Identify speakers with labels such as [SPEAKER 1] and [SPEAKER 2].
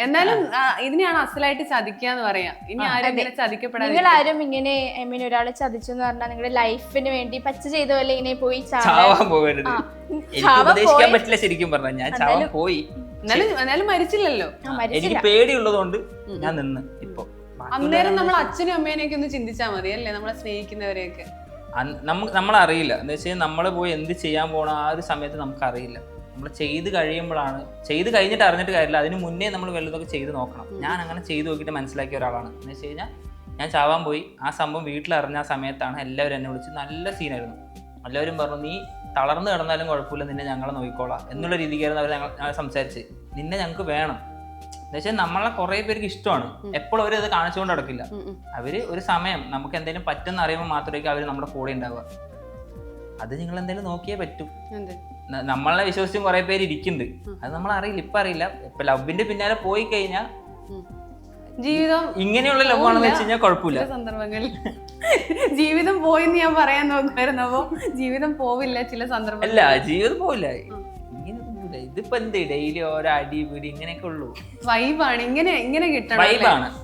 [SPEAKER 1] എന്നാലും ഇതിനെയാണ് അസലായിട്ട് ചതിക്കാന്ന് പറയാ. ഇനി ആരും ഇങ്ങനെ ചതിക്കപ്പെടാതെ.
[SPEAKER 2] നിങ്ങൾ ആരും ഇങ്ങനെ ഐ മീൻ ഒരാളെ ചതിച്ചു എന്ന് പറഞ്ഞാൽ നിങ്ങളുടെ ലൈഫിന് വേണ്ടി പച്ച ചെയ്ത പോലെ ഇങ്ങനെ പോയി
[SPEAKER 3] ചാവാൻ പോകരുത്. എനിക്ക് ഉപദേശിക്കാൻ പറ്റില്ല ശരിക്കും പറഞ്ഞാൽ. ഞാൻ ചാവാൻ പോയി,
[SPEAKER 1] എന്നാലും മരിച്ചില്ലല്ലോ.
[SPEAKER 3] എനിക്ക് പേടിയുള്ളതുകൊണ്ട് ഞാൻ നിന്ന്. ഇപ്പൊ
[SPEAKER 1] അന്നേരം നമ്മൾ അച്ഛനും അമ്മേനെയൊക്കെ ഒന്ന് ചിന്തിച്ചാൽ മതി അല്ലേ, നമ്മളെ സ്നേഹിക്കുന്നവരെയൊക്കെ.
[SPEAKER 3] നമ്മളറിയില്ല എന്താ വെച്ചാൽ നമ്മൾ പോയി എന്ത് ചെയ്യാൻ പോണ ആ ഒരു സമയത്ത് നമുക്കറിയില്ല. നമ്മൾ ചെയ്ത് കഴിയുമ്പോഴാണ്, ചെയ്ത് കഴിഞ്ഞിട്ട് അറിഞ്ഞിട്ട് കാര്യമില്ല, അതിന് മുന്നേ നമ്മൾ വല്ലതൊക്കെ ചെയ്ത് നോക്കണം. ഞാൻ അങ്ങനെ ചെയ്ത് നോക്കിയിട്ട് മനസ്സിലാക്കിയ ഒരാളാണ്. എന്ന് വെച്ച് കഴിഞ്ഞാൽ ഞാൻ ചാവാൻ പോയി, ആ സംഭവം വീട്ടിലറിഞ്ഞ ആ സമയത്താണ് എല്ലാവരും എന്നെ വിളിച്ച് നല്ല സീനായിരുന്നു. എല്ലാവരും പറഞ്ഞു നീ തളർന്നു കിടന്നാലും കുഴപ്പമില്ല, നിന്നെ ഞങ്ങളെ നോക്കിക്കോളാം എന്നുള്ള രീതിക്കായിരുന്നു അവർ ഞങ്ങൾ സംസാരിച്ച്. നിന്നെ ഞങ്ങൾക്ക് വേണം എന്ന് വെച്ചാൽ നമ്മളെ കുറെ പേർക്ക് ഇഷ്ടമാണ്. എപ്പോഴും അവർ അത് കാണിച്ചുകൊണ്ട് നടക്കില്ല. അവര് ഒരു സമയം നമുക്ക് എന്തെങ്കിലും പറ്റുന്ന അറിയുമ്പോൾ മാത്രമേ അവർ നമ്മുടെ കൂടെ ഉണ്ടാവുക. അത് നിങ്ങൾ എന്തെങ്കിലും നോക്കിയേ പറ്റൂ. നമ്മളെ വിശ്വസിച്ചും കുറെ പേര് ഇരിക്കുന്നുണ്ട്, അത് നമ്മൾ അറിയില്ല. ഇപ്പൊ അറിയില്ല. ഇപ്പൊ ലവിന്റെ പിന്നാലെ പോയി കഴിഞ്ഞാൽ
[SPEAKER 1] ജീവിതം
[SPEAKER 3] ഇങ്ങനെയുള്ള ലവ് ആണെന്ന് വെച്ച് കഴിഞ്ഞാൽ കുഴപ്പമില്ല.
[SPEAKER 1] സന്ദർഭങ്ങളിൽ ജീവിതം പോയിന്ന് ഞാൻ പറയാൻ നോക്കുമായിരുന്നു. അപ്പൊ ജീവിതം പോവില്ല ചില സന്ദർഭം.
[SPEAKER 3] അല്ല, ജീവിതം പോവില്ല. ഇതിപ്പോ എന്ത് ഡെയിലി ഓരോ അടി പിടി ഇങ്ങനെയൊക്കെ ഉള്ളൂ.
[SPEAKER 1] വൈബാണ്, ഇങ്ങനെ കിട്ടണം.
[SPEAKER 3] വൈബാണ്.